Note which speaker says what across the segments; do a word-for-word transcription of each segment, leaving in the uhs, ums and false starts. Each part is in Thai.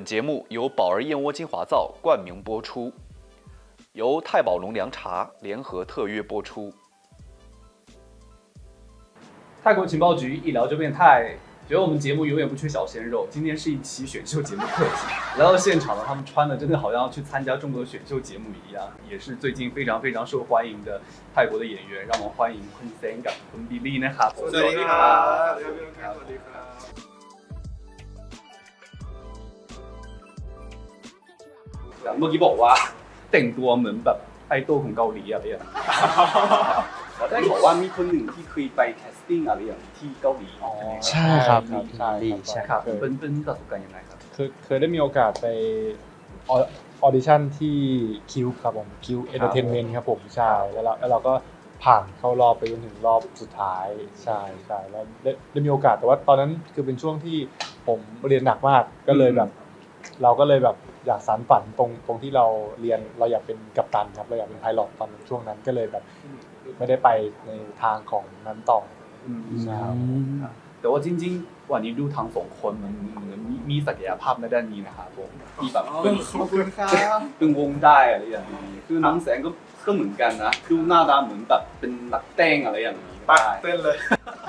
Speaker 1: 节目由宝儿燕窝精华皂冠名播出，由太宝龙凉茶联合特约播出。
Speaker 2: 泰国情报局一聊就变态，觉得我们节目永远不缺小鲜肉。今天是一期选秀节目特辑，来到现场呢，他们穿的真的好像要去参加中国选秀节目一样，也是最近非常非常受欢迎的泰国的演员。让我们欢迎คุณเซนกับคุณบิลลี่นะครับ
Speaker 3: สวัสดีครับสวัสดีครับสวัสดีครับ
Speaker 2: เมื่อกี้บอกว่าแต่งตัวเหมือนแบบไอดอลของเกาหลีอะไรอย่างแล้วได้บอกว่ามีคนหนึ่งที่เคยไปแคสติ้งอะไรอย่างที่เกาหลีอ๋อ
Speaker 4: ใช่ครับ
Speaker 5: ใช่ครับ
Speaker 4: ใช่
Speaker 2: ครับเป็นเป็นประสบการณ์ยังไงครับ
Speaker 5: คือเคยได้มีโอกาสไปออดิชั่นที่คิวครับผมคิวเอนเตอร์เทนเมนต์ครับผมใช่แล้วเราแล้วเราก็ผ่านเข้ารอบไปจนถึงรอบสุดท้ายใช่ใช่แล้วได้ได้มีโอกาสแต่ว่าตอนนั้นคือเป็นช่วงที่ผมเรียนหนักมากก็เลยแบบเราก็เลยแบบอยากสานฝันตรงตรงที่เราเรียนเราอยากเป็นกัปตันครับเราอยากเป็นไพลอตตอนช่วงนั้นก็เลยแบบไม่ได้ไปในทางของนั้นต่อใช่
Speaker 2: แต่ว่าจริงๆวันนี้ดูทั้งสองคนมันเหมือนมีศักยภาพในด้านนี้นะครับผมที่แบบเป็น
Speaker 3: ขอบคุณครับ
Speaker 2: เป็นวงได้อะไรอย่างนี้คือน้องแสงก็ก็เหมือนกันนะดูหน้าตาเหมือนแบบเป็นนักเต้นอะไรอย่างนี้
Speaker 3: ปัก
Speaker 2: ได้
Speaker 3: เต้นเลย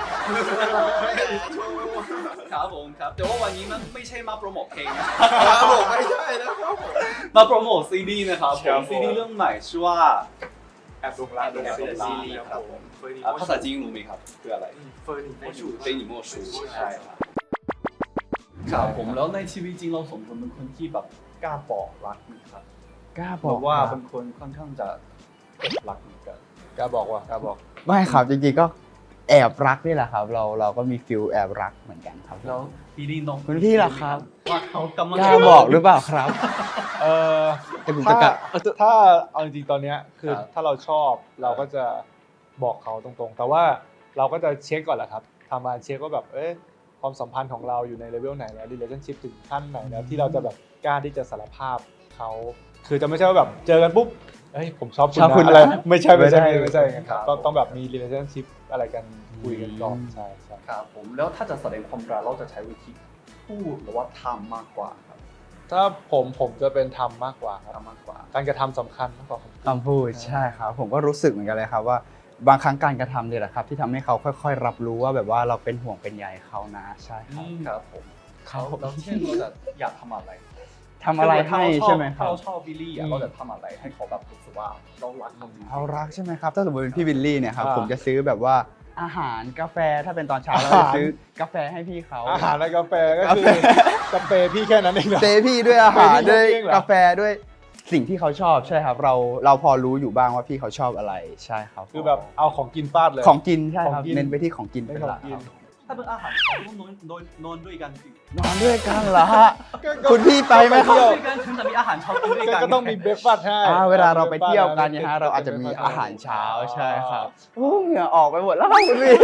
Speaker 2: ครับผมครับแต่ว่าวันนี้มันไม่ใช่มาโปรโมทเพลงนะครับ
Speaker 3: ผมไม่ใช่นะครับผม
Speaker 2: มาโปรโมทซีดีนะครับผ
Speaker 3: ครั
Speaker 2: ม
Speaker 3: บผม
Speaker 2: ซีดีเรื่องใหม่ชื่อว่า
Speaker 3: แอบลงร้านเป็น
Speaker 2: แอบลงร้าน
Speaker 3: ซีรีส์ครับผม
Speaker 2: อ่าภาษาจีนรู้ไหมครับคืออะไร
Speaker 3: เฟิร์นอินโมชู
Speaker 2: เต้นหญิงโมชูใช่ครับครับผมแล้วในชีวิตจริงเราสมควรเป็นคนที่แบบกล้าบอกรักไหมครับ
Speaker 4: กล้า
Speaker 2: บบ
Speaker 4: อ
Speaker 2: อก กว่า
Speaker 4: ว่า
Speaker 2: เป็นคนค่อนข้างจะเก็บรักเหมือนกัน
Speaker 5: กล้าบอกว่ากล้าบอก
Speaker 4: ไม่ครับจริงๆก็แอบรักนี่แหละครับ เราเราก็มีฟิลแอบรักเหมือนกันครับ
Speaker 2: แล้วพี่ดีน้อง
Speaker 4: คุณพี่ล่ะครับ
Speaker 2: ว่าเขากำลัง
Speaker 4: กล้าบอกหรือเปล่าครับ
Speaker 5: เออ
Speaker 4: แต่ผม
Speaker 5: ถ้า
Speaker 4: จะกล้า
Speaker 5: ถ้าเอาจริงๆตอนเนี้ยคือถ้าเราชอบเราก็จะบอกเขาตรงๆ แต่ว่าเราก็จะเช็คก่อนแหละครับทำมาเช็คว่าแบบเอ๊ะความสัมพันธ์ของเราอยู่ในเลเวลไหนแล้ว relationship ถึงขั้นไหนแล้วที่เราจะแบบกล้าที่จะสารภาพเขาคือจะไม่ใช่ว่าแบบเจอกันปุ๊บเฮ้ยผมชอบคุณ
Speaker 4: ชอบคุณ
Speaker 5: นะอะไร
Speaker 4: นะ
Speaker 5: ไม่ใช่ไม่ใช่
Speaker 4: ไม่ได้
Speaker 5: ไม่ใช่อย่างนั้นครับต้องต้องแบบมี relationship อะไรกันคุยกันก่อนใช่ใช่
Speaker 2: ครับผมแล้วถ้าจะแสดงความรักเราจะใช้วิธีพูดหรือว่าทำมากกว่าครับ
Speaker 5: ถ้าผมผมจะเป็นทำมากกว่าครับ
Speaker 2: ทำมากกว่า
Speaker 5: การกระทำสำคัญมากกว่าคำพูด
Speaker 4: คำพูดใช่ครับ ผมก็รู้สึกเหมือนกันเลยครับว่าบางครั้งการกระทำเนี่ยแหละครับ ที่ทำให้เขาค่อยๆ รับรู้ว่าแบบว่าเราเป็นห่วงเป็นใยเขานะใช่ครับ
Speaker 2: ครับผมเขาแล้วเช่นเราจะอยากทำอะไร
Speaker 4: ทำอะไรให้ใช่ไหมค
Speaker 2: ถ้า
Speaker 4: รับ
Speaker 2: เราชอบบิลลี่อ่ะเราจะทำอะไรให้เขาแบบรู้สึกว่าเรารักเขาจริงๆ
Speaker 4: เขารักใช่ไหมครับ ถ้าสมมติเป็นพี่วิลลี่เนี่ยครับ
Speaker 5: อ่า
Speaker 4: ผมจะซื้อแบบว่าอาหารกาแฟถ้าเป็นตอนเช้าเรา
Speaker 5: อา
Speaker 4: จะ
Speaker 5: หาร
Speaker 4: ซื้อกาแฟให้พี่เขา
Speaker 5: อาหารและกาแฟก็คือกาแฟพี่แค่นั้นเองเหรอ
Speaker 4: เซพี่ด้วยอาหาร
Speaker 5: เซพี่
Speaker 4: ด้วย
Speaker 5: เองเหรอ
Speaker 4: กาแฟด้วยสิ่งที่เขาชอบใช่ครับ เราเราพอรู้อยู่บ้างว่าพี่เขาชอบอะไรใช่ครับ
Speaker 5: คือแบบเอาของกินฟาดเลย
Speaker 4: ของกินใช่ครับ
Speaker 5: ของกิน
Speaker 4: เน้นไปที่ของกิน
Speaker 5: ไม่
Speaker 4: เป็น
Speaker 5: ขอ
Speaker 4: หลั
Speaker 5: ง
Speaker 4: ก
Speaker 5: กิ
Speaker 4: คน รับ
Speaker 2: ถ้าเป็นอาหารเขาต้องนอนนอนนอนด้วยกันสิ
Speaker 4: นอนด้วยกันเหรอฮะคุณพี่ไปไหมครับ
Speaker 2: นอนด้วยกันถึงจะมีอาหารเช้ากินด้วยกัน
Speaker 5: ก็ต้องมีเบรกฟาสต์ให้
Speaker 4: อ่าเวลาเราไปเที่ยวกันเนี่ยฮะเราอาจจะมีอาหารเช้าใช่ครับโอ้เหงื่อออกไปหมดแล้วครับคุณพี่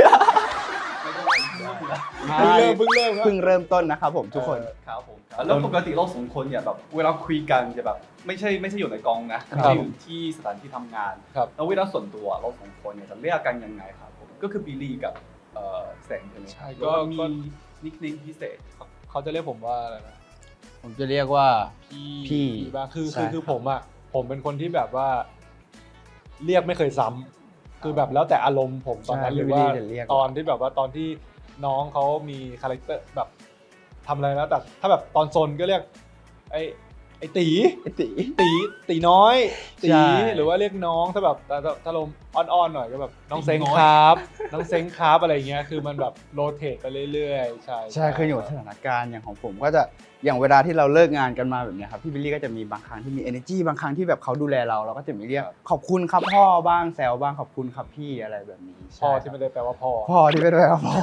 Speaker 5: เพิ่งเริ่มเพิ่งเริ่มครับ
Speaker 4: เพิ่งเริ่มต้นนะครับผมทุกคน
Speaker 2: ครับผมแล้วปกติเราสองคนเนี่ยแบบเวลาคุยกันจะแบบไม่ใช่ไม่ใช่อยู่ในกองนะไม่ใช่อยู่ที่สถานที่ทำงาน
Speaker 5: ครับ
Speaker 2: แล้วเวลาส่วนตัวเราสองคนเนี่ยจะเรียกกันยังไงครับผมก็คือบิลลี่กับเอ่อแสงใช่ไหม
Speaker 5: ใช่
Speaker 2: ห
Speaker 5: ก็
Speaker 2: รือว่ามี
Speaker 5: ก็
Speaker 2: นิคเนมพิเศษ
Speaker 5: เขาจะเรียกผมว่าอะไรนะ
Speaker 4: ผมจะเรียกว่า
Speaker 5: พี่
Speaker 4: พี่
Speaker 5: บ้างคือ
Speaker 4: ใช่
Speaker 5: คือคือ
Speaker 4: ครับ
Speaker 5: ผมอ่ะผมเป็นคนที่แบบว่า เรียกไม่เคยซ้ำคือแบบแล้วแต่อารมณ์ผมตอนนั้นหรือว่า
Speaker 4: จะเรียก
Speaker 5: ตอนที่แบบว่าตอนที่น้องเขามีคาแรคเตอร์แบบทำอะไรแล้วแต่ถ้าแบบตอนซนก็เรียก ไอ้ไอ้ตี
Speaker 4: ไอ้ตี
Speaker 5: ตีตีน้อยตี
Speaker 4: ใช่
Speaker 5: หรือว่าเรียกน้องถ้าแบบถ้าถ้าถ้าลมอ่อนๆหน่อยก็แบบน้อง
Speaker 2: ตี
Speaker 5: เซ็ง
Speaker 2: น้อย
Speaker 5: ครับ น้องเซ็งครับอะไรเงี้ยคือมันแบบโรเตทไปเรื่อยๆใช่
Speaker 4: ใช่คืออยู่กับสถานการณ์อย่างของผมก็จะอย่างเวลาที่เราเลิกงานกันมาแบบเนี้ยครับพี่บิลลี่ก็จะมีบางครั้งที่มี energy บางครั้งที่แบบเขาดูแลเราเราก็จะมีเรียกขอบคุณครับพ่อบ้างแซวบ้างขอบคุณครับพี่อะไรแบบนี้
Speaker 5: พ่อ
Speaker 4: ใช่
Speaker 5: ที่ไม่ได้แปลว่าพ่อ
Speaker 4: พ่อที่ไม่ได้ว่าพ่อ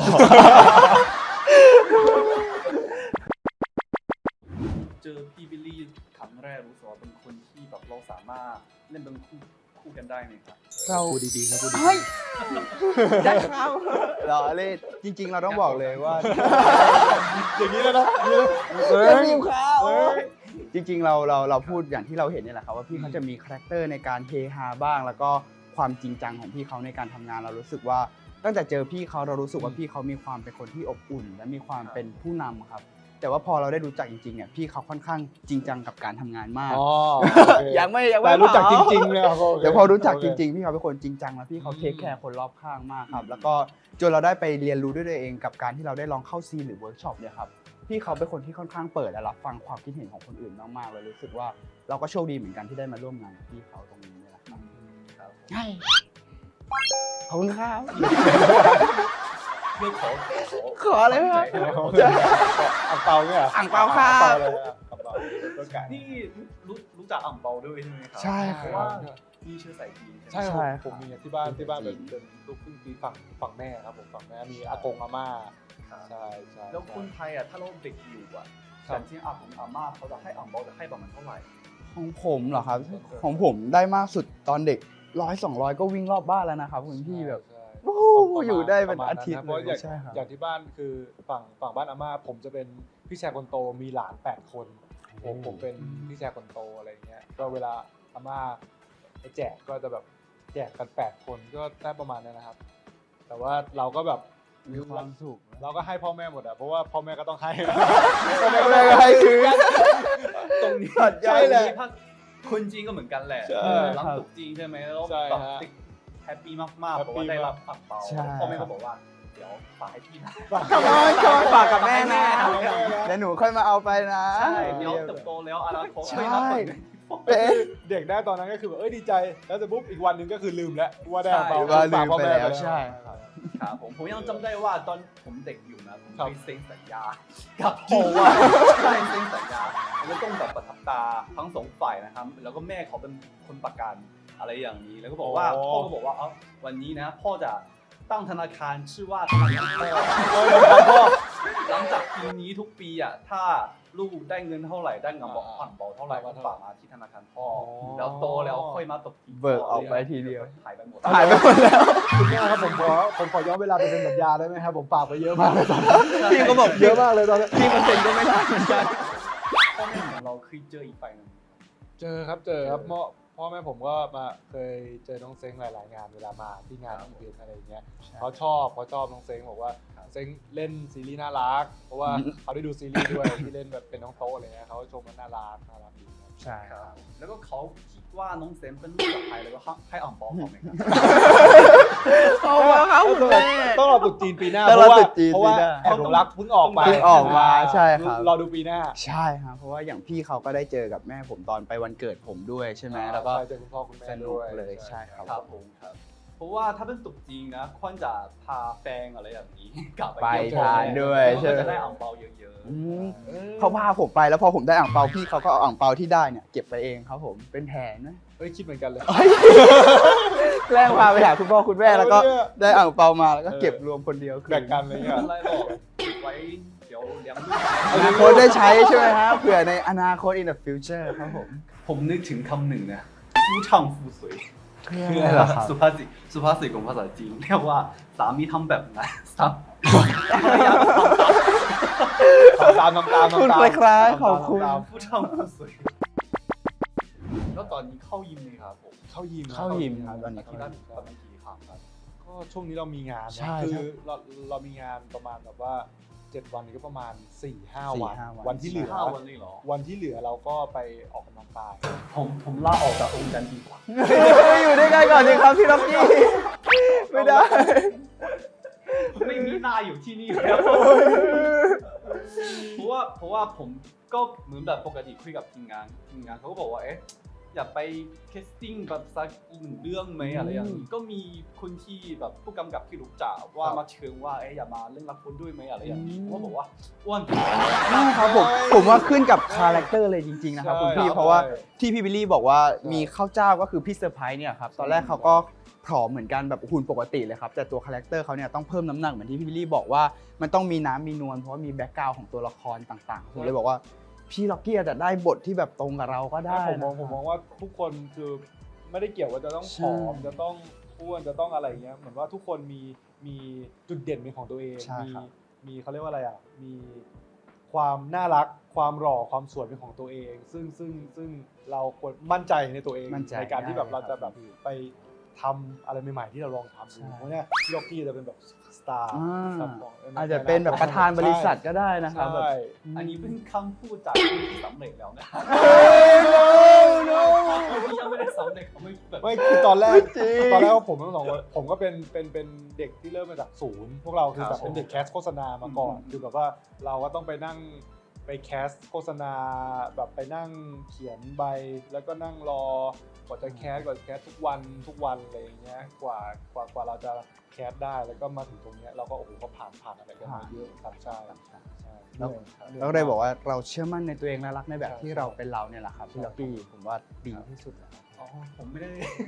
Speaker 2: เจอพี่บิลลี่ครั้งแรกรู้สึกว่าเป็นคนที่แบบเราสามารถเล่นเป็นคู่คู่กันได้ไหมครับ
Speaker 4: เรา
Speaker 5: พูดดีๆครับพูดดี
Speaker 4: เฮ้ยได้ครับเราเล่นจริง ๆ เราต้องบอกเลยว่า
Speaker 5: ๆอย่างนี้แล้วนะอย่างนี้แล้ว
Speaker 4: เฮ้ย
Speaker 5: เฮ้ย
Speaker 4: จริงๆเราเราเราพูดอย่างที่เราเห็นเนี่ยแหละครับว่าพี่เขาจะมีคาแรคเตอร์ในการเฮฮาบ้าง แล้วก็ความจริงจังของพี่เขาในการทำงานเรารู้สึกว่าตั้งแต่เจอพี่เขาเรารู้สึกว่าพี่เขามีความเป็นคนที่อบอุ่น และมีความเป็นผู้นำครับแต่ว่าพอเราได้รู้จักจริงๆเนี่ยพี่เขาค่อนข้างจริงจังกับการทำงานมาก
Speaker 5: อ๋อ
Speaker 4: ยังไม่ยังไม่
Speaker 5: แต่รู้จักจ
Speaker 4: เผา
Speaker 5: ริงๆเลยครับ
Speaker 4: เดี๋ยวพอรู้จักจริงๆพี่เขาเป็นคนจริงจังแล้วพี่เขาเทคแคร์คนรอบข้างมากครับแล้วก็จนเราได้ไปเรียนรู้ด้วยตัวเองกับการที่เราได้ลองเข้าซีนหรือเวิร์กช็อปเนี่ยครับพี่เขาเป็นคนที่ค่อนข้างเปิดและรับฟังความคิดเห็นของคนอื่นมากๆเลยรู้สึกว่าเราก็โชคดีเหมือนกันที่ได้มาร่วมงานกับพี่เขาตรงนี้นี่แหละครับ
Speaker 2: ครับผม
Speaker 4: ใช่ขอบคุณครับ
Speaker 2: เรื่องของขอ
Speaker 4: ขออะไรไหมครับ
Speaker 5: อ่างเปาเนี่ย
Speaker 4: อ่างเปาครับ
Speaker 5: อ่างเปาเลยอ่ะอ่างเปาตัวไก่
Speaker 2: นี่รู้รู้จักอ่างเปาด้วยใช่ไหมครั
Speaker 4: ใช่ครับ
Speaker 2: เพราะว่ามีเชื้อสายจีน
Speaker 5: ใช่
Speaker 2: ใช่ไหม
Speaker 5: ครับผมมีที่บ้านที่บ้านเป็นเป็นลูกครึ่งปีฝั่งฝั่งแม่ครับผมฝั่งแม่มีอากงอาม่า
Speaker 2: ครับ
Speaker 5: ใช่ใช่
Speaker 2: แล้วคนไทยอ่ะถ้าเราเด็กอยู่อ่ะ
Speaker 5: ครับ
Speaker 2: แต่ที่อาผมอาม่าเขาจะให้อ่างเปาจะให้ประมาณเท่าไหร่
Speaker 4: ของผมเหรอครับ ของผมได้มากสุดตอนเด็กร้อยสองร้อยก็วิ่งรอบบ้านแล้วนะครับคุณพี่แบบ
Speaker 5: ใช่
Speaker 4: โอ้โหอยู่ได้เป็นอาทิตย์
Speaker 5: เพราะอย่าง
Speaker 4: ใช่ครับ
Speaker 5: อย่างที่บ้านคือฝั่งฝั่งบ้านอาม่าผมจะเป็นพี่ชายคนโตมีหลานแปดคนผมผมเป็นพี่ชายคนโตอะไรเงี้ยก็เวลาอาม่าไปแจกก็จะแบบแจกกันแปดคนก็ได้ประมาณนั้นนะครับ แต่ว่าเราก็แบบ
Speaker 4: มีความสุข
Speaker 5: เราก็ให้พ่อแม่หมดอะเพราะว่าพ่อแม่ก็ต้องให้
Speaker 4: พ่อแม่ก็ให้คืน
Speaker 2: ตรงนี้
Speaker 4: ใช่แหละ
Speaker 2: ถ้าคนจีนก็เหมือนกันแหละ
Speaker 5: ใช่
Speaker 2: เออหลังตุกจีนใช่ไหมแล้ว
Speaker 5: ใช่
Speaker 2: แบบ
Speaker 5: ฮะ
Speaker 2: เด็กแฮปปี้มากๆ
Speaker 5: แฮ
Speaker 2: เพ
Speaker 5: ปปี้
Speaker 2: ราะว่าได้รับอ่างเปา
Speaker 4: ใช่
Speaker 2: พ่อแม่ก็บอกว่าเดี๋ยวฝากให้พี่นะ
Speaker 4: ขอบคุณขอบคุณฝากกับแม่นะ
Speaker 2: ใช่
Speaker 4: เดี๋ยวหนูค่อยมาเอาไปนะ
Speaker 2: ใช่เดี๋ยวเติบโตแล้วอนาคต
Speaker 4: ใช่
Speaker 2: ค่อยรับเงิน
Speaker 4: เป็น
Speaker 5: เด็กได้ตอนนั้นก็คือแบบเอ้ยดีใจ แล้วแต่ปุ๊บอีกวันหนึ่งก็คือลืมแล้วว่าได้
Speaker 2: ใช่
Speaker 5: เปล่า
Speaker 4: ว่าลืม
Speaker 5: พ่อ
Speaker 4: ไป
Speaker 5: แม่
Speaker 4: แล้วใช่ครับ
Speaker 2: ครับผมผมยังจำได้ว่าตอนผมเด็กอยู่นะผม
Speaker 5: ครับ
Speaker 2: ไปเซ็นสัญญากับพ่อว่าใช่เซ็นสัญญาแล้วต้องแบบประทับตาทั้งสองฝ่ายนะครับแล้วก็แม่เขาเป็นคนประกันอะไรอย่างนี้แล้วก็บอกว่าพ่อก็บอกว่าเอ้าวันนี้นะพ่อจะตั้งธนาคารชื่อว่าธนาคารพ่อหลังจากปีนี้ทุกปีอ่ะถ้าลูกได้เงินเท่าไหร่ได้เงินบอกอ่างเปาเท่าไหร่ก็ฝากมาที่ธนาคารพ่อแล้วโตแล้วค่อยมาตกที
Speaker 4: เบิกออกไปทีเดียว
Speaker 2: หายไปหมด
Speaker 4: หายไปหมดแล้ว
Speaker 5: คุณแม่ครับผมขอผมขอย้อนเวลาไปเซ็นสัญญาได้ไหมครับผมฝากไปเยอะมากเลยตอนนั้น
Speaker 4: พี่ก็บอก
Speaker 5: เยอะมากเลยตอนนั้น
Speaker 4: พี่เปอร์เซ็นต์ก็ไม่ได้เหมือนกัน
Speaker 2: พ่อแม่ของเราเคยเจออีกฝ่ายหนึง
Speaker 5: เจอครับเจอครับพ่อพ่อแม่ผมก็มาเคยเจอน้องเซ้งหลาย ๆ งานเวลามาที่งานอีเวนต์อะไรอย่างเงี้ยเขาชอบเขาชอบน้องเซ้งบอกว่าเซ้งเล่นซีรีส์น่ารัก เพราะว่าเขาได้ดูซีรีส์ด้วยที่เล่นแบบเป็นน้องโต๊ะอะไรเงี้ยเขาชมว่าน่ารักน่ารักดีครับ
Speaker 4: ใช่
Speaker 2: ครับแล้วก็เขาคิดว่าน้องเซนเป็นลูกกับใครแล้วก็ให้อ่างเปาเขาไหมครับ
Speaker 4: เอามาครับคุณแม่
Speaker 5: ต้องรอตรุษจีนปีหน้า
Speaker 4: ต้อง
Speaker 5: เพ
Speaker 4: รอ
Speaker 5: ราะว่า
Speaker 4: ตรุษจีน
Speaker 5: เพราะว่า
Speaker 4: ปีหน้า
Speaker 5: แอบหลงรักเพิ่งออกไป
Speaker 4: เพิ่งออกมาใช่ครับ
Speaker 5: รอดูปีหน้า
Speaker 4: ใช่ครับเพราะว่าอย่างพี่เขาก็ได้เจอกับแม่ผมตอนไปวันเกิดผมด้วยใช่ไหมแล้วก็
Speaker 5: ใช่เจอคุณพ่อคุณแม่
Speaker 4: สนุ
Speaker 5: ด้
Speaker 4: ก
Speaker 5: วย
Speaker 4: เลยใช่ครับ
Speaker 2: ครับผมครับเพราะว่าถ้าเป็นตุกจีนนะควรจะพาแฟนอะไรอย่างนี้กลับไป
Speaker 4: ไป
Speaker 2: เที่ยว
Speaker 4: ทานด้วยใช่
Speaker 2: ก็
Speaker 4: ไหม
Speaker 2: จะได้อ่างเปาเยอะ
Speaker 4: อืมเขาพาผมไปแล้วพอผมได้อ่างเปาพี่เขาก็เอาอ่างเปาที่ได้เนี่ยเก็บไปเองครับผมเป็นแผนนะ
Speaker 5: เอ้ยคิดเหมือนกันเลย
Speaker 4: แกล้งพาไปหาคุณพ่อคุณแม่แล้วก็
Speaker 5: เอาเนี่ย
Speaker 4: ได้อ่างเปามาแล้วก็เก็บรวมคนเดียวคือ
Speaker 5: แบ่งกันอะไร
Speaker 2: ๆ
Speaker 5: เงี้ย
Speaker 2: ไม่เป็นไรหรอกไว้เดี๋ยวเลี้ยงลูก
Speaker 4: อนาคตได้ใช้ใช่ไหมฮะเผื่อในอนาคต in the future ครับผม
Speaker 2: ผมนึกถึงคำหนึ่งนะฟูช่างฟูสวย
Speaker 4: คืออะไรเหรอครับ
Speaker 2: สุภาษิตสุภาษิตของภาษาจีนเรียกว่าสามีทำแบบไหนสามี
Speaker 5: ทำตามทำตาม
Speaker 4: คุณ
Speaker 5: ทำตาม
Speaker 4: คล้ายๆขอบคุณ
Speaker 5: ทำตาม
Speaker 2: ผู้ช่างผู้สวยแล้วตอนนี้เข้ายิมเลยครับผม
Speaker 5: เข้ายิม
Speaker 4: เข้ายิมครับตอนนี้
Speaker 2: อาทิตย์ละประมาณกี่ครั้งครับ
Speaker 5: ก็ช่วงนี้เรามีงานนะ
Speaker 4: ใช่
Speaker 5: คื
Speaker 4: ครั
Speaker 5: อบ เราเรามีงานประมาณแบบว่าเจ็ดวันนี้ก็ประมาณสี่ห้า
Speaker 4: สี่
Speaker 5: วัน
Speaker 4: ห้าวัน
Speaker 5: วันที่เหลือ
Speaker 2: ห้าวันเลยเหรอ
Speaker 5: วันที่เหลือเราก็ไปออกกำลังกาย
Speaker 2: ผมผมลาออกจากองค์การดีกว่า
Speaker 4: อยู่ด้วยกันก่อนดีครับพี่ล็อกกี้ไม่ได้
Speaker 2: ไม่มีหน้าอยู่ที่นี่แล้วเพราะว่าเพราะว่าผมก็เหมือนแบบปกติคุยกับทีมงานทีมงานเขาก็บอกว่าเอ๊ะอยากไปแคสติ้งแบบสักอีกหนึ่งเรื่องไหมอะไรอย่างนี้ก็มีคนที่แบบผู้กำกับที่รู้จักว่ามาเชิญว่าเอ๊ะอย่ามาเล่นละครด้วยไหมอะไรอย่างนี้ผมก็บอกว่าอ้วน
Speaker 4: ครับผมผมว่าขึ้นกับคาแรคเตอร์เลยจริงๆนะครับคุณพี่
Speaker 5: ใช่
Speaker 4: เพราะว่า
Speaker 5: ใช่
Speaker 4: ที่พี่บิลลี่บอกว่า
Speaker 5: ใช่
Speaker 4: มีข้าวเจ้าก็คือพี่เซอร์ไพรส์เนี่ยครับตอนแรกเขาก็ผอมเหมือนกันแบบหุ่นปกติเลยครับแต่ตัวคาแรคเตอร์เขาเนี่ยต้องเพิ่มน้ำหนักเหมือนที่พี่บิลลี่บอกว่ามันต้องมีน้ำมีนวลเพราะว่ามีแบ็กกราวด์ของตัวละครต่างๆผมเลยบอกว่าพี่ล็อกกี้อาจจะได้บทที่แบบตรงกับเราก็ได้
Speaker 5: ผมมอง
Speaker 4: นะ
Speaker 5: ผมมองว่าทุกคนคือไม่ได้เกี่ยวว่าจะต้องผอม
Speaker 4: ใช่
Speaker 5: จะต้องอ้วนจะต้องอะไรเงี้ยเหมือนว่าทุกคนมีมีจุดเด่นเป็นของตัวเอง
Speaker 4: ใช่
Speaker 5: มี
Speaker 4: ครับ
Speaker 5: มีเขาเรียกว่าอะไรอ่ะมีความน่ารักความหล่อความสวยเป็นของตัวเอง ซึ่งซึ่งซึ่งเราควรมั่นใจในตัวเอง
Speaker 4: มั่นใจ
Speaker 5: ในการที่แบบ
Speaker 4: ได้
Speaker 5: เราจะ
Speaker 4: ค
Speaker 5: แบ
Speaker 4: รับบ
Speaker 5: ไปทำอะไรใหม่ๆที่เราลองทำดู
Speaker 4: ใช่
Speaker 5: เพราะเนี่ยพี่ล็อกกี้จะเป็นแบบสตาร์
Speaker 4: อ่า
Speaker 5: ครับของ
Speaker 4: อาจจะเป็นแบบประธานบริษัทก็ได้นะครับแบบ
Speaker 5: ใช่
Speaker 2: อันนี้เป็นคำพูดจากผู้ที่สำเร็จแล้วนะ คนที่ยังไม่ได้สำเร็จเขาไม่แบบ
Speaker 5: ไม่คือตอนแรก
Speaker 4: จริง
Speaker 5: ตอนแรกผมทั้งสองคนผมก็เป็นเป็นเป็นเด็กที่เริ่มมาจากศูนย์พวกเราคือ
Speaker 2: ค
Speaker 5: แบ
Speaker 2: รับบ
Speaker 5: เป็นเด็กแคสโฆษณามาก่อน
Speaker 2: อืม
Speaker 5: คือแบบว่าเราก็ต้องไปนั่งไปแคสโฆษณาแบบไปนั่งเขียนใบแล้วก็นั่งรอกว่าจะแคสกว่าจะแคสทุกวันทุกวันอะไรอย่างเงี้ยกว่ากว่ากว่าเราจะแคสได้แล้วก็มาถึงตรงเนี้ยเราก็โอ้โหก็ผ่านผ่านอะไรกันมาเยอะครับใช่ใช่
Speaker 4: แล้ว
Speaker 5: เหนื่อยครับ
Speaker 4: เราก็เลยบอกว่าเราเชื่อมั่นในตัวเองและรักในแบบที่เราเป็นเราเนี่ยแหละครับพี่ล็อกกี้ผมว่าดีที่สุดแล้ว
Speaker 2: อ๋อผมไม่ได้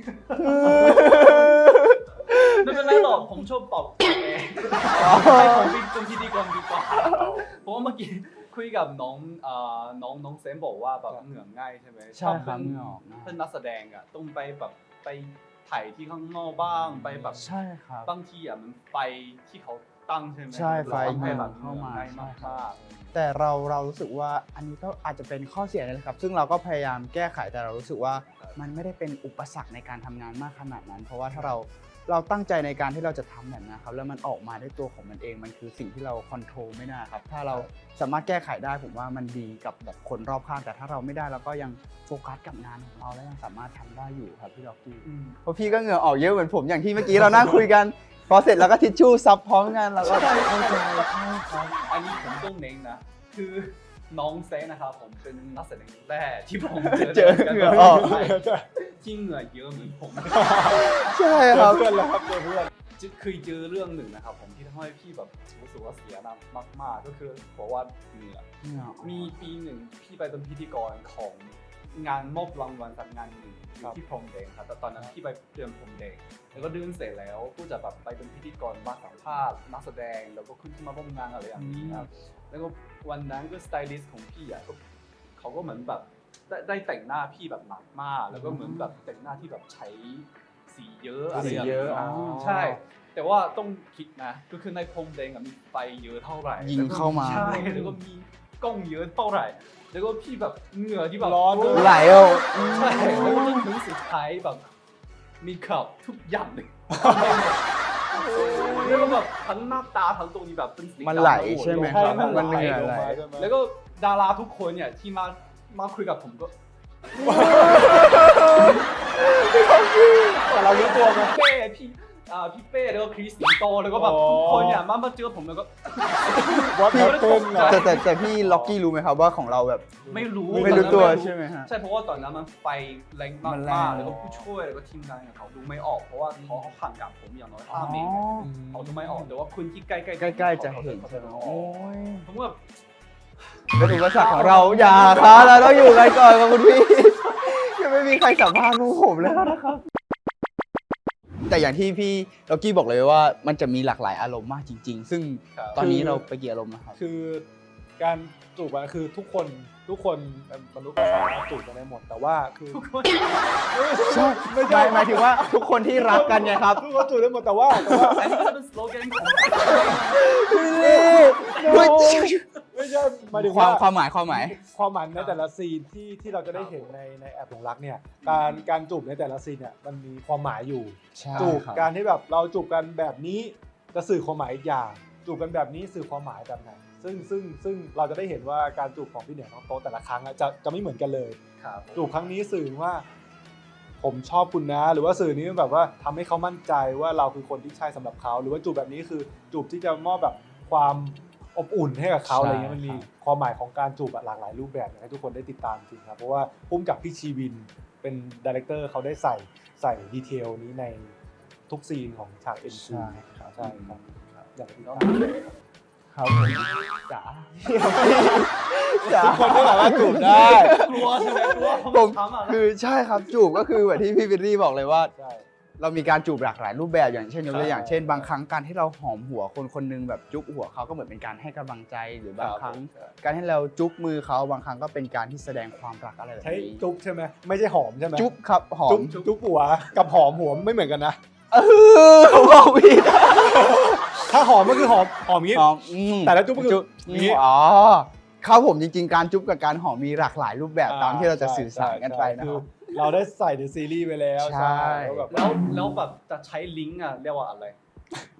Speaker 2: ไม่เป็นไรหรอกผมชอบตอบเองให้ผมเป็นพิธีกรดีกว่าเพราะว่าเมื่อกี้คุยกับน้องเอ่อน้องน้องเซมบอกว่าแบบเหงื่อง่ายใช่ไหม
Speaker 4: ใช่ครับ
Speaker 2: เป็น
Speaker 4: เหงื่อออกง่าย
Speaker 2: เป็นนักแสดงอ่ะต้องไปแบบไปถ่ายที่ข้างนอกบ้างไปแบบ
Speaker 4: ใช่ครับ
Speaker 2: บางทีอ่ะมันไฟที่เขาตั้งใช่ไหม
Speaker 4: ใช่ไฟ
Speaker 2: ทำให้แบบ
Speaker 4: เข้ามา
Speaker 2: ง่ายมาก
Speaker 4: ใช่ครับ
Speaker 2: มาก
Speaker 4: แต่เราเรารู้สึกว่าอันนี้ก็อาจจะเป็นข้อเสียนี่แหละครับ ซึ่งเราก็พยายามแก้ไขแต่เรารู้สึกว่ามันไม่ได้เป็นอุปสรรคในการทำงานมากขนาดนั้น เพราะว่าถ้าเราเราตั้งใจในการที่เราจะทำแบบนะครับแล้วมันออกมาด้วยตัวของมันเองมันคือสิ่งที่เราคอนโทรลไม่ได้ครับถ้าเราสามารถแก้ไขได้ผมว่ามันดีกับแบบคนรอบข้างแต่ถ้าเราไม่ได้เราก็ยังโฟกัสกับงานของเราและยังสามารถทำได้อยู่ครับพี่ล็อกกี้
Speaker 2: อืม
Speaker 4: เพราะพี่ก็เหงื่อออกเยอะเหมือนผมอย่างที่เมื่อกี้เรานั่งคุยกัน พอเสร็จแล้วก็ทิชชู่ซับพร้อมกันแล้วก็เข้าใจใช่ครับ
Speaker 2: อันนี้ผมต้องเน้นนะ คือน้องเซนนะครับผมเป็นนักแสดงแรกที่ผมเจอ
Speaker 4: เจอเหงื่อออก
Speaker 2: ที่เหงื่อเยอะเหมือนผม
Speaker 4: ใช่ครับ
Speaker 5: เพื่อนแล้วครับเพื่อน
Speaker 2: เคยเจอเรื่องหนึ่งนะครับผมที่ทำให้พี่แบบรู้สึกว่าเสียน้ำมากๆก็คือบอกว่าเหงื่อ
Speaker 4: เหงื่อออก
Speaker 2: มีปีหนึ่งพี่ไปเป็นพิธีกรของงานมอบรางวัลสักงานหนึ่งอยู่ที่พรมแดงครับแต่ตอนนั้นพี่ไปเดินพรมแดงแล้วก็เดินเสร็จแล้วก็จะแบบไปเป็นพิธีกรมาสัมภาษณ์นักแสดงแล้วก็ขึ้นมาร่วมงานอะไรอย่างนี้ครับแล้วก็วันนั้นก็สไตลิสต์ของพี่อ่ะก็เขาก็เหมือนแบบได้ได้แต่งหน้าพี่แบบหนักมาก แล้วก็เหมือนแบบแต่งหน้าที่แบบใช้สีเยอะอะไรอย่าง
Speaker 4: สีเย
Speaker 2: เงี้
Speaker 4: อะ
Speaker 2: ย
Speaker 4: อ๋อ
Speaker 2: ใช่ แต่ว่าต้องคิดนะก็คือในพรมแดงอะมีไฟเยอะเท่าไหร่
Speaker 4: ยิงเข้ามา
Speaker 2: ใช่แล้วก็มีกล้องเยอะเท่าไหร่ แล้วก็พี่แบบเหงื่อที่แบบ
Speaker 5: ร้อนด้วย
Speaker 4: ไหลออก
Speaker 2: ใช่แล้วก็จนถึงสุดท้ายแบบมีขับทุกอย่างเลยแล้วก็แบบทั้งหน้าตาทั้งตรงนี้แบบเป็นสีดำ
Speaker 4: มันไหล
Speaker 2: ด
Speaker 4: ใช่ไหม
Speaker 2: ใช่
Speaker 4: ครับ
Speaker 2: มัน
Speaker 4: มัน
Speaker 2: ไหล
Speaker 4: เหงื่อ
Speaker 5: ลง
Speaker 4: ไหล
Speaker 5: มาใช่ไหม
Speaker 2: แล้วก็ดาราทุกคนเนี่ยที่มามาคุยกับผมก็
Speaker 5: แต่เรารู้ตัวไหม
Speaker 2: เป้พี่อ่าพี่เป้แล้วก็คริสสิงโตแล้วก็แบบ
Speaker 5: อ๋อ
Speaker 2: ทุกคนเนี่ยมามาเจอผมแล้วก็
Speaker 5: วัดแพทเทิร์นเหรอ
Speaker 4: แต่แต่แต่พี่ล็อกกี้รู้ไหมครับว่าของเราแบบ
Speaker 2: ไม่รู้
Speaker 4: ไม่รู้ตัว
Speaker 2: ตอนนั้น
Speaker 4: ใช่ไหมฮะ
Speaker 2: ใช่เพราะว่าตอนนั้นมันไฟแรงมาก
Speaker 4: มันแรง
Speaker 2: ๆแล้วก็ผู้ช่วยแล้วก็ทีมงานเนี่ยเขาดูไม่ออกเพราะว่าเขาห่างกับผมอย่างน้อยห้าเมตรเขาดูไม่ออกแต่ว่าคุณที่ใกล้ๆ
Speaker 4: ใกล้ๆจะเห็น
Speaker 2: เขา
Speaker 4: ใช่ไหม
Speaker 2: ดูอ
Speaker 4: โอ้
Speaker 2: อก
Speaker 4: ย
Speaker 2: ผมว่า
Speaker 4: เป็นอุปสรรคของเราอย่าครับเราต้องอยู่กันก่อนกับคุณพี่ ยังไม่มีใครสัมภาษณ์พวกผมเลยนะครับ แต่อย่างที่พี่ล็อกกี้บอกเลยว่ามันจะมีหลากหลายอารมณ์มากจริง ๆ ซึ่งตอนนี้เราไปกี่อารมณ์นะครับ
Speaker 5: คือการจูบอะคือทุกคนทุกคนเป็นมนุษย์ก็สามารถจูบกันได้หมดแต่ว่าคือ
Speaker 2: ทุกคน
Speaker 4: ใช่ไม่ใช่หมายถึงว่าทุกคนที่รักกันไงครับ
Speaker 5: ทุกคนจูบได้หมดแต่ว่าแต่ว่า
Speaker 2: อันนี้ก็จะเป็นสโลแกนของ
Speaker 5: ไม่ใช่หมายถึง
Speaker 4: ความ
Speaker 5: ว่า
Speaker 4: ความหมายความหมาย
Speaker 5: ความหมายในแต่ละซีนที่ที่เราจะได้เห็นในในแอปหลงรักเนี่ยการการจูบในแต่ละซีนเนี่ยมันมีความหมายอยู่ จูบการที่แบบเราจูบกันแบบนี้จะสื่อความหมายอีกอย่าง จูบกันแบบนี้สื่อความหมายแบบไหนซึ่งซึ่งซึ่งเราจะได้เห็นว่าการจูบของพี่เหนือน้องโต๊ะแต่ละครั้งอะจะจะไม่เหมือนกันเลย
Speaker 2: ครับ
Speaker 5: จูบครั้งนี้สื่อว่า ผมชอบคุณนะ หรือว่าสื่อนี้แบบว่าทำให้เขามั่นใจว่าเราคือคนที่ใช่สำหรับเขาหรือว่าจูบแบบนี้คือจูบที่จะมอบแบบความอบอุ่นให้กับเขา
Speaker 4: ใช่
Speaker 5: อะไรเงี้ยมันมี
Speaker 4: ครับ
Speaker 5: ความหมายของการจูบอะหลากหลายรูปแบบอยากให้ทุกคนได้ติดตามจริงครับเพราะว่าพุ่มกับพี่ชีวินเป็นดีเรคเตอร์เขาได้ใส่ใส่ดีเทลนี้ในทุกซีนของฉากเอ็นซี
Speaker 4: ใช่ครับ
Speaker 5: ใช่ครับอยากให้ติดตาม
Speaker 4: ครับผมจ๋าจ๋า
Speaker 5: ทุกคนก็สามารถจูบได้
Speaker 2: กลัวใช่ไหมกลัว
Speaker 4: ผม
Speaker 2: ทำอ่ะ
Speaker 4: คือใช่ครับจูบก็คือแบบที่พี่วิลลี่บอกเลยว่า
Speaker 5: ใช่
Speaker 4: เรามีการจูบหลากหลายรูปแบบอย่างเช่นยกตัวอย่าง
Speaker 5: ใช่
Speaker 4: เช่น บางครั้งการที่เราหอมหัวคนคนหนึงแบบจุ๊บหัวเขาก็เหมือนเป็นการให้กำลังใจหรือบางครั้ง การที่เราจุ๊บมือเขาบางครั้งก็เป็นการที่แสดงความรักอะไรแบบ
Speaker 5: ใช้
Speaker 4: นี้
Speaker 5: จุ๊บใช่ไหมไม่ใช่หอมใช่ไหม
Speaker 4: จุ๊บครับหอ
Speaker 5: จุ๊
Speaker 4: ม
Speaker 5: บจุ๊บหัวกับหอมหัวไม่เหมือนกันนะ
Speaker 4: เออผมบอกผิด
Speaker 5: ถ้าหอมก็คือหอมหอมอย่างงี้
Speaker 4: หอมอืม
Speaker 5: แต่ละจุ๊บก็คือ
Speaker 4: จุ๊บ
Speaker 5: อย่างงี้
Speaker 4: อ๋อครับผมจริงๆ การจุ๊บกับการหอมมีหลากหลายรูปแบบตามที่เราจะสื่อสารกันไปนะค
Speaker 5: คือ
Speaker 4: รับ
Speaker 5: เราได้ใส่ในซีรีส์ไปแล้ว
Speaker 4: ใช่
Speaker 5: แล้วแบบ
Speaker 2: แล้วแล้วแบบจะใช้ลิงก์อ่ะเรียกว่าอะไร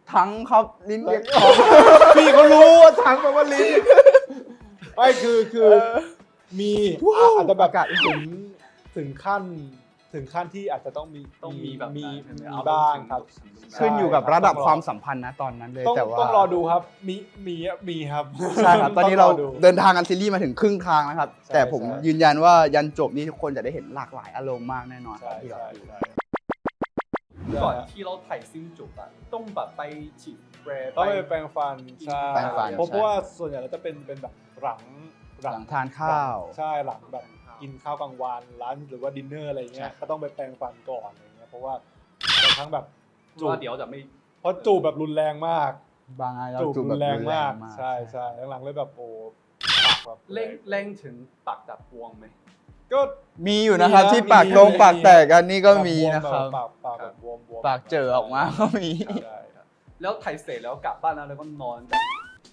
Speaker 4: ทั้งครับลิ้นเรียก
Speaker 5: พี่เขารู้ว่าทั้งแปลว่าลิ้นไม่คือคือมีอ่ะอาจจะแบบถึงถึงขั้นถึงขั้นที่อาจจะต้องมี
Speaker 2: ต้องมีแบบ
Speaker 5: มี
Speaker 2: นั้น
Speaker 5: มีบ้างครับ
Speaker 4: ขึ้นอยู่กับระดับความสัมพันธ์นะตอนนั้นเลย
Speaker 5: ต้อง
Speaker 4: แต่ว่า
Speaker 5: ต้องรอดูครับ มีมีมีครับ
Speaker 4: ใช่ครับ ตอนนี้เรา
Speaker 5: งดู
Speaker 4: เดินทางกันซีรีส์มาถึงครึ่งทางแล้วครับ
Speaker 5: ใช่
Speaker 4: แต่ผม
Speaker 5: ใช่
Speaker 4: ยืนยันว่ายันจบนี่ทุกคนจะได้เห็นหลากหลายอารมณ์มากแน่นอนค
Speaker 5: ใช่
Speaker 4: รับที่เรา
Speaker 5: ใช่
Speaker 4: ดู
Speaker 5: ใช่
Speaker 2: ก่อนที่เราถ่ายซิ่งจบอะต้องแบบไปฉีดแปร
Speaker 5: ต้องไปแปรงฟันใช่
Speaker 4: แปรงฟัน
Speaker 5: เพราะเพราะว่าส่วนใหญ่เราจะเป็นเป็นแบบหลัง
Speaker 4: หลังทานข้าว
Speaker 5: ใช่หลังแบบกินข้าวกลางวันร้านหรือว่าดินเนอร์อะไรเงี้ยก็ต้องไปแปรงฟันก่อนอะไรเงี้ยเพราะว่าบางครั้งแบบ
Speaker 2: จู
Speaker 5: จู
Speaker 2: บ
Speaker 5: บ
Speaker 2: เดี๋ยวจะไม่
Speaker 5: เพราะจูบแบบรุนแรงมาก
Speaker 4: บางอันเรา
Speaker 5: จูบ
Speaker 4: จูบ
Speaker 5: รุ
Speaker 4: แบบ
Speaker 5: นแรงมาก
Speaker 4: รุนแรง
Speaker 5: ใช่ใช่หลังๆเลยแบบโอ้ปากแบบ
Speaker 2: เร่งเร่งถึงปากดับบวงไหม
Speaker 5: ก็
Speaker 4: มีอยู่นะครับ
Speaker 5: มีนะ
Speaker 4: ที่ปาก
Speaker 5: มี
Speaker 4: ตรง
Speaker 5: มี
Speaker 4: ปากแตกกันนี่ก็มี
Speaker 5: บว
Speaker 4: นะครับ
Speaker 5: ปากปากแบบบวมบวม
Speaker 4: ปากเจอออกมาก็มี
Speaker 5: ใช่
Speaker 2: แล้วถ่ายเสร็จแล้วกลับบ้านแล้วแล้วก็นอนแบบ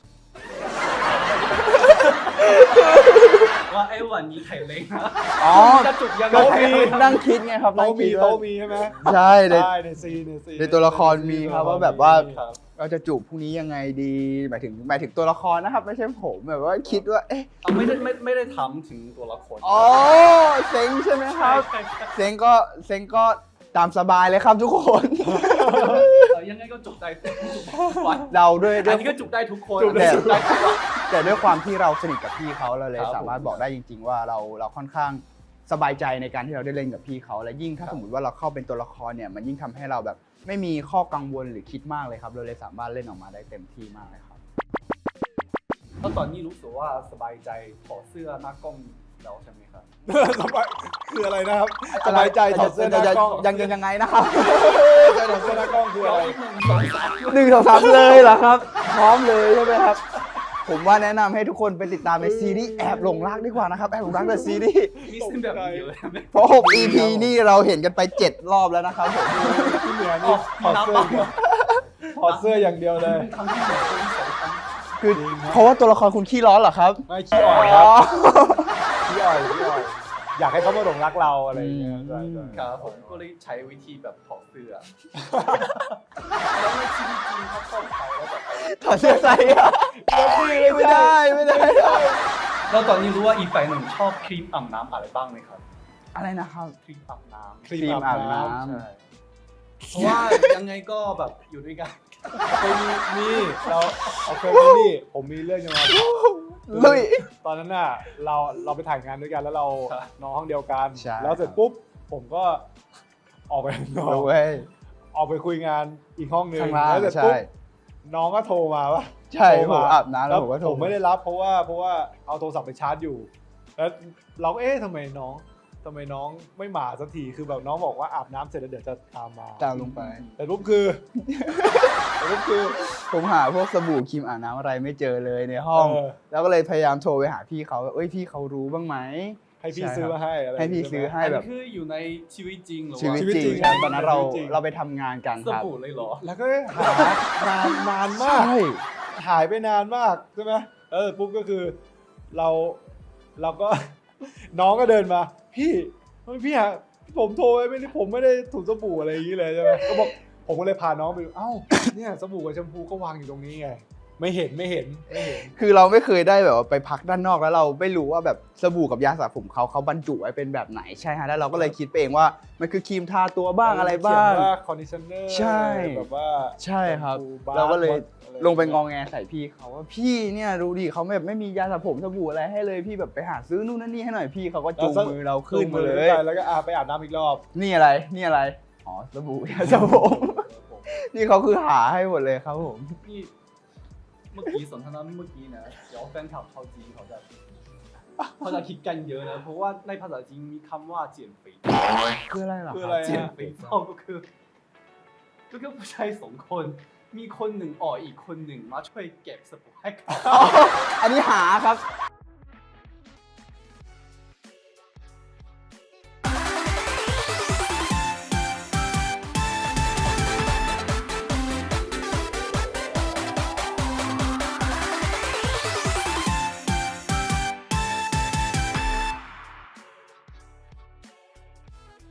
Speaker 2: ว่าไอ้วันนี้ถ่ายเร่งนะ
Speaker 4: อ๋อ
Speaker 2: จะจุกยังไง
Speaker 5: โต๊ะมี
Speaker 4: นั่งคิดไงครับนั่
Speaker 5: โต๊ะ
Speaker 4: ง
Speaker 5: มี
Speaker 4: คิดว่า
Speaker 5: โต๊ะมีใช่ไหม
Speaker 4: ใช่ใน
Speaker 5: ใช่ในซีนในซีน
Speaker 4: ในตัวละครมีครับว่าแบบว่า
Speaker 5: ครับ
Speaker 4: เราจะจูบพรุ่งนี้ยังไงดีหมายถึงหมายถึงตัวละครนะครับ ไม่ใช่ผมแบบว่าคิดว่าเอ๊ะ
Speaker 2: เอาไม่ได้ไม่ไม่ได้ทำถึงตัวละคร
Speaker 4: อ๋อเซ็งใช่ไหมครับ
Speaker 2: ใช่ใช่
Speaker 4: เซ็งก็เซ็งก็ตามสบายเลยครับทุกคน
Speaker 2: เออยังไงก็จุกได้ทุกวัน
Speaker 4: เราด้วยด้
Speaker 2: อั
Speaker 4: วน ย
Speaker 2: นี้ก็จุกได้ทุกคน
Speaker 5: จุกได้
Speaker 4: แต่
Speaker 2: จุกได้ทุกวัน
Speaker 4: แต่ด้วยความที่เราสนิทกับพี่เขาเราเลย
Speaker 2: ครับ
Speaker 4: สามารถบอกได้จริง ๆ ว่าเราเราค่อนข้างสบายใจในการที่เราได้เล่นกับพี่เขาและยิ่งถ้า
Speaker 2: ครับ
Speaker 4: สมมติว่าเราเข้าเป็นตัวละครเนี่ยมันยิ่งทำให้เราแบบไม่มีข้อกังวลหรือคิดมากเลยครับเราเลยสามารถเล่นออกมาได้เต็มที่มากเลยครับ
Speaker 2: แล้วตอนนี้รู้สึกว่าสบายใจถอดเสื้อหน้ากล้องแล้วใช่ไหมครับ
Speaker 5: สบายคืออะไรนะครับสบายใจถอดเสื้อหน้ากล้อง
Speaker 4: ยังยังยังไงนะครับ
Speaker 5: ใช่ถอดเสื้อหน้ากล้องคืออะไร
Speaker 4: หนึ่งสองสามเลยเหรอครับ พร้อมเลยใช่ไหมครับ ผมว่าแนะนำให้ทุกคนไปติดตามในซีรีส์แอบหลงรักดีกว่านะครับแอบหลงรักในซีรีส์
Speaker 2: มีเส้นแบบนี้เยอะไหม
Speaker 4: เพราะหก อี พี นี่เราเห็นกันไปเจ็ดรอบแล้วนะครับผม
Speaker 5: ที่เหนือนี่ถอดเสื้ออย่างเดียวถอดเสื้ออย่างเดียวเลย
Speaker 2: ครั้งที่หนึ่งครั้งที่สองครั้ง
Speaker 4: คือเพราะว่าตัวละครคุณขี้ร้อนเหรอครับ
Speaker 5: ไม่ขี้อ่อนครับขี้อ่อนขี้อ่อนอยากให้เขามาหลงรักเราอะไรอย่างเงี้ยใช่ใช่
Speaker 2: ครับผมก็เลยใช้วิธีแบบถอดเสื้อแล้วในชีวิตจริงเขาเข้าไปแล้วแบบ
Speaker 4: ถอดเสื้อใส่อะไม่ได้ไม่ได้
Speaker 2: แล้วตอนนี้รู้ว่าอีกฝ่ายหนึ่งชอบครีมอาบน้ำอะไรบ้างไหมครับ
Speaker 4: อะไรนะครับ
Speaker 2: ครีมอาบน้ำ
Speaker 5: ครี
Speaker 4: ครีม
Speaker 5: มอาบน้
Speaker 4: อาบน้
Speaker 2: ใช่เพราะว่ายังไงก็แบบอยู่ด้วยกัน
Speaker 5: ำเคยมีมีเราเอาเคยมีนี่ผมมีเรื่องจะมาบอก
Speaker 4: ลุย
Speaker 5: ตอนนั้นน่ะเราเราไปถ่ายงานด้วยกันแล้วเรา
Speaker 2: ครับ
Speaker 5: นอนห้องเดียวกัน
Speaker 4: ใช่
Speaker 5: แล้วเสร็จปุ๊บผมก็ออกไปข้างนอก
Speaker 4: เว้ย
Speaker 5: ออกไปคุยงานอีกห้องหนึ่ง
Speaker 4: ข้างล่าง
Speaker 5: แล้วเสร็จ
Speaker 4: ใช่
Speaker 5: ปุ๊บน้องก็โทรมาว่า
Speaker 4: ใช่
Speaker 5: โทร
Speaker 4: ผมอาบน้ำแล้วผมก็โทร
Speaker 5: ผมไม่ได้รับเพราะว่าเพราะว่าเอาโทรศัพท์ไปชาร์จอยู่ แล้วเราก็เอ๊ะทำไมน้องทำไมน้องไม่มาสักทีคือแบบน้องบอกว่าอาบน้ำเสร็จแล้วเดี๋ยวจะตามมา
Speaker 4: ตามลงไป
Speaker 5: แต่ปุ๊บคือ แต่ปุ๊บคือ
Speaker 4: ผมหาพวกสบู่ครีมอาบน้ำอะไรไม่เจอเลยในห้อง
Speaker 5: เออ
Speaker 4: แล้วก็เลยพยายามโทรไปหาพี่เขาว่าเอ้ยพี่เขารู้บ้างไหม
Speaker 5: ให้พี่
Speaker 4: ใช่
Speaker 5: ซื้อ
Speaker 4: ครับ
Speaker 5: มาให้อะไร
Speaker 4: ให้พี่ซื้อให้
Speaker 2: อัน
Speaker 4: แบ
Speaker 2: นี้
Speaker 4: บ
Speaker 2: คืออยู่ในชีวิตจริงหรือ
Speaker 4: ชีวิต
Speaker 2: ว่า
Speaker 5: ชีวิต
Speaker 4: จ
Speaker 5: จริ
Speaker 4: ริง
Speaker 5: ง
Speaker 4: ครับตอนนั้นเรา
Speaker 5: ชีวิตจริง
Speaker 4: เราไปทำงานกัน
Speaker 2: ส
Speaker 4: ครับ
Speaker 2: บู่เลยเหรอ
Speaker 5: แล้วก็หานานนานมาก
Speaker 4: ใช่
Speaker 5: หายไปนานมากใช่ไหมเออปุ๊บก็คือเราเราก็ น้องก็เดินมา พี่ทำไมพี่หาผมโทรไปไม่ได้ผมไม่ได้ถูสบู่อะไรอย่างนี้เลยใช่ไหมก็บอกผมก็เลยพาน้องไปดูเอ้าเนี่ยสบู่กับแชมพูก็วางอยู่ตรงนี้ไง ไม่เห็นไม่เห็นไม่เห็น
Speaker 4: คือเราไม่เคยได้แบบว่าไปพักด้านนอกแล้วเราไม่รู้ว่าแบบสบู่กับยาสระผมเขาเขาบรรจุไว้เป็นแบบไหนใช่ฮะแล้วเราก็เลยคิดไปเองว่ามันคือครีมทาตัวบ้างอะไรบ้าง
Speaker 5: เขียนว่าคอนดิชเนอร์
Speaker 4: ใช่
Speaker 5: แบบว่า
Speaker 4: ใช่ครับ
Speaker 5: แชมพูบาร์
Speaker 4: เราก็เลย
Speaker 5: อะไร
Speaker 4: ลงไปงองแงใส่พี่เขาว่าพี่เนี่ยดูดิเขาแบบไม่มียาสระผมสบู่อะไรให้เลยพี่แบบไปหาซื้อนู่นนั่นนี่ให้หน่อยพี่เขาก็จูงมือเราขึ้นมาเลย
Speaker 5: ไปแล้วก็อาไปอาบน้ำอีกรอบ
Speaker 4: นี่อะไรนี่อะไรอ๋อสบู่ยาสระผมนี่เขาคือหาให้หมดเลยครับผม
Speaker 2: นี่เมื่อกี้สนทนาเมื่อกี้นะเดี๋ยวแฟนคลับชาวจีนเขาจะเขาจะคิดกันเยอะนะเพราะว่าในภาษาจีนมีคำว่าเจียนฝี
Speaker 4: คืออะไรเหรอ
Speaker 5: คือ
Speaker 4: ค
Speaker 5: อะไร
Speaker 4: รับ
Speaker 2: เจียนฝีเท่าก็คือก็คือผู้ชายสองคนมีคนหนึ่งออกอีกคนหนึ่งมาช่วยเก็บสบู่ให้เขา
Speaker 4: อันนี้หาครับ